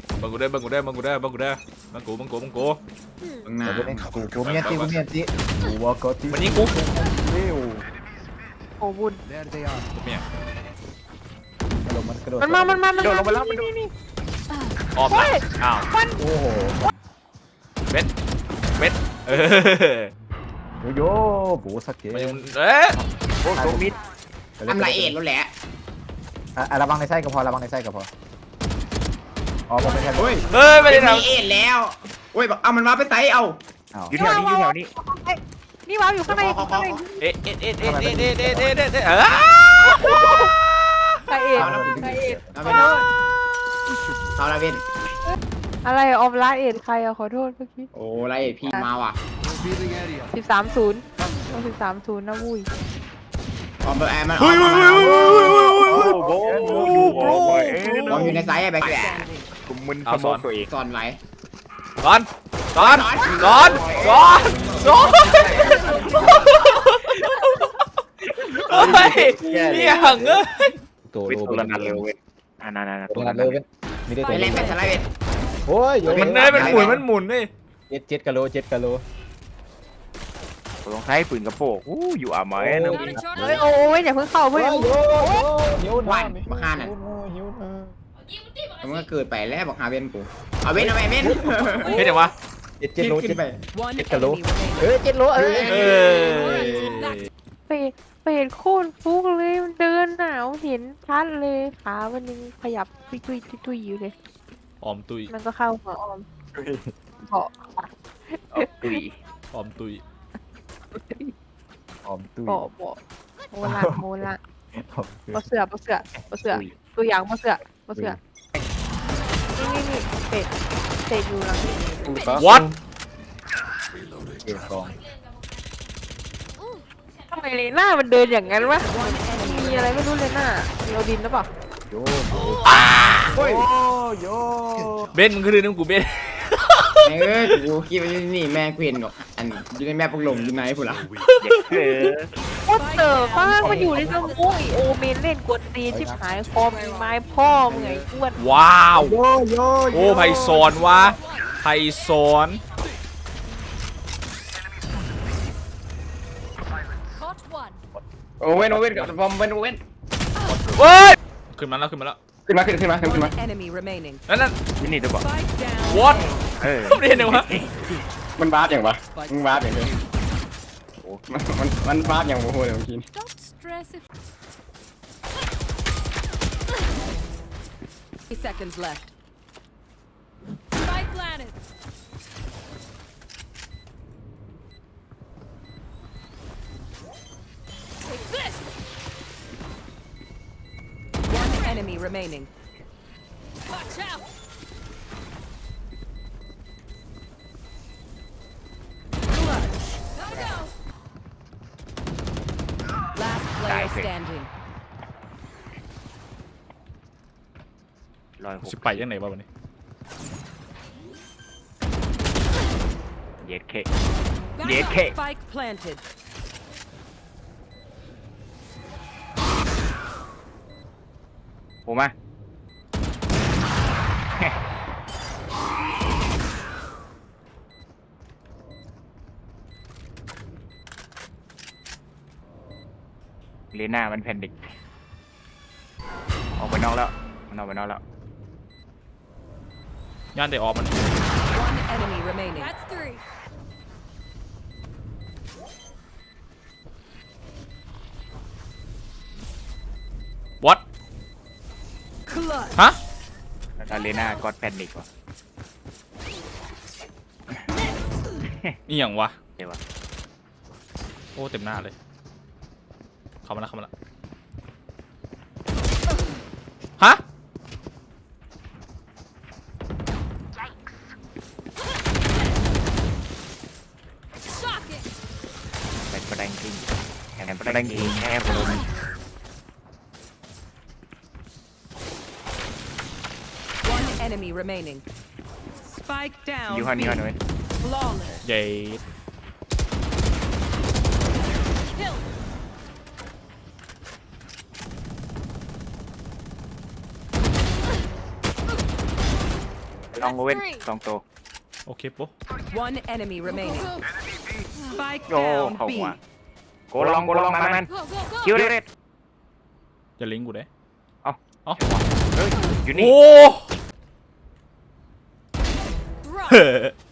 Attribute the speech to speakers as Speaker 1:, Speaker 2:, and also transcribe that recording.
Speaker 1: บังกูได้บังกูได้บังกูได้บังกูได้บังกูบังกูบังกู
Speaker 2: ข้างหน้า
Speaker 3: กูเมียนตีกูเมียนตีกูว่าก็ตี
Speaker 1: มันยิงกู
Speaker 3: เร็ว
Speaker 4: โอ้บุญ
Speaker 1: กูเมีย
Speaker 3: มันกระโดด
Speaker 4: มัน
Speaker 3: โดดลงไปแล้ว
Speaker 4: นี่
Speaker 1: ออมละอ้าว
Speaker 3: โอ้โห
Speaker 1: เบ็ดเบ็ด
Speaker 3: โยโบสักเก
Speaker 1: มันเอ๊ะ
Speaker 2: โอ้โหมิดทำไรเอ็ดแล้วแหละ
Speaker 3: ระวังในไส้ก็พอระวังในไส้ก็พออ๋อมันเป็นแค่
Speaker 2: เฮ้ย
Speaker 1: เฮ้ยไม่ได้ท
Speaker 2: มีเอ็ดแล้วโอ้ยเอามันมาไปไซเอา
Speaker 3: อยู่แถวนี้อยู่แถวนี้
Speaker 4: นี่วางอยู่ข้างใน
Speaker 1: ำเอ๊ะเอ๊ะเอ๊ะเอ๊ะเอ๊ะเอ๊ะเอ๊ะเอ๊ะเอ๊ะเอ๊ะ
Speaker 4: ใครเอ็ดใครเอ็ด
Speaker 2: เอาไปโดนเอาละเวน
Speaker 4: อะไรออมลาเอ็ดใครอะขอโทษเมื่อกี้
Speaker 2: โอ้ไรเอ็ดพี่มาว่ะ
Speaker 4: 13-0ต้อง13-0นะวุ้ย
Speaker 2: ออมแอร์มัน
Speaker 1: เฮ้ยเฮ้ยเฮ้ยเฮ้ยเฮ้ยเฮ้ย
Speaker 3: โบ
Speaker 2: ออมอยู่ในไซส์ไอ้แบกแหละ
Speaker 3: กูมึน
Speaker 1: เอาสอน
Speaker 3: ตัวเอง
Speaker 2: ซ่อนไว้
Speaker 1: สอนสอนสอนสอนสอนเฮ้ยนี่หังเอ้ย
Speaker 3: ตัวโลตัวนั้นเร็วเว้ยตัวนั้นเร็วเว้ยมีได้
Speaker 2: ไป
Speaker 3: ตัว
Speaker 2: เล่นเป็นสไลด์เวน
Speaker 3: โอ้ย
Speaker 1: มันเนยมันหมุนมันหมุนนี่
Speaker 3: เจ็ดกะโล
Speaker 5: ลองใช้ปืนกระโปงอยู่อ่ะไหมนะ
Speaker 4: เฮ้ยโอ้ยอย่าเพิ่งเข้าเพื่อน
Speaker 2: วันบักฮานั่นมันก็เกิดไปแล้วบักฮาเวนกูเอาเวนเอาไปเวน
Speaker 1: เฮ้ยเดี๋ยววะ
Speaker 3: เจ็ดโล
Speaker 2: ขึ้นไป
Speaker 3: กะโล7 โล
Speaker 1: เออ
Speaker 4: เป็ดโคตรฟุกเลยมันเดินหนาวเห็นชัดเลยขามันยังขยับตุยอยู่เลย
Speaker 1: ออมตุย
Speaker 4: มันก็เข้าหัวออมเกาะ
Speaker 5: ตุย
Speaker 1: ออมตุย
Speaker 3: ออมตุ้ย
Speaker 4: เกาะเบาะโมละปะเสือตัวอย่างปะเสือนี่เป็ดอยู่หลังนี่
Speaker 1: วัด
Speaker 3: เจ็ดกอง
Speaker 4: ทำไมเลน่ามันเดินอย่างนั้นวะมีอะไรไม่รู้เลน่ามีโอดินหรือเปล่า
Speaker 3: โย
Speaker 2: โอ้ย
Speaker 3: โย
Speaker 1: เบนมึงคือเรื่องกูเบน
Speaker 2: กูคิดว่านี่แม่กูเห็นหรอกอันอยู่ในแม่พวกลมอยู่ไหนพูดละ
Speaker 4: โคตรเต๋อฟ้ามันอยู่ในสมุยโอเมนเล่นกวนตีชิบหายคอมไม้พ่อมึงไงอ้วน
Speaker 1: ว้าว
Speaker 3: โย
Speaker 1: โอ้ไพศอนวะไพศอน
Speaker 2: โอเว่นกับบอมเว่น
Speaker 1: เว้ยขึ้นมาแล้ว
Speaker 2: ขึ้นมา
Speaker 6: Enemy remaining.
Speaker 1: นั่น
Speaker 5: นี่ตัวบอก
Speaker 6: Spike down.
Speaker 1: what
Speaker 5: เออ
Speaker 1: ไม่เห็นเลยวะ
Speaker 2: มันวาร์ปอย่างวะมึงวาร์ปอย่างเดียวโอ้มันวาร์ปอย่างโอ้โหเลยเมื่อกี้
Speaker 6: Don't stress if. 30 seconds left. Spike planted. Take this. One enemy remaining. Watch out. Last player standing.
Speaker 1: สิไปยังไหนวะวันนี้
Speaker 5: เย็ดเค
Speaker 6: Back
Speaker 5: Yeah,
Speaker 6: up.
Speaker 5: okay.
Speaker 6: Spike planted.
Speaker 5: ผมมาเลน่ามันแผ่นดิกออกไปนอกแล้วมันออกไปนอกแล้ว
Speaker 1: ย่านได้ออกมัน
Speaker 6: One enemy remaining. That's 3.
Speaker 1: what
Speaker 6: Clutch.
Speaker 1: ฮะ
Speaker 5: แล้วเลน่ากอดแผ่นดิกว่ะ
Speaker 1: นี่อย่างวะ
Speaker 5: เดี๋ยววะ
Speaker 1: โอ้เต็มหน้าเลยเข้ามาแล้วฮะ
Speaker 6: Shocking.
Speaker 5: เป็นประเด็นจริงแข่งประเด็นจริงแค่คน
Speaker 6: One enemy remaining. Spike down.
Speaker 5: อยู่ข้างนี้ก่อนเลย
Speaker 6: Flawless.
Speaker 1: ใหญ่
Speaker 6: Kill.
Speaker 5: ลองโอเว่น2ตัว
Speaker 1: โอเคปุ๊
Speaker 6: One enemy remaining. Spike
Speaker 5: โอ้
Speaker 6: down
Speaker 5: เข้า
Speaker 6: B.
Speaker 5: หัวโกลองมันคิวเด็ด
Speaker 1: อย่าลิงก์กูเด้
Speaker 5: เอ้า
Speaker 1: เอ้า
Speaker 5: เฮ้ยอยู่นี่
Speaker 1: โอ้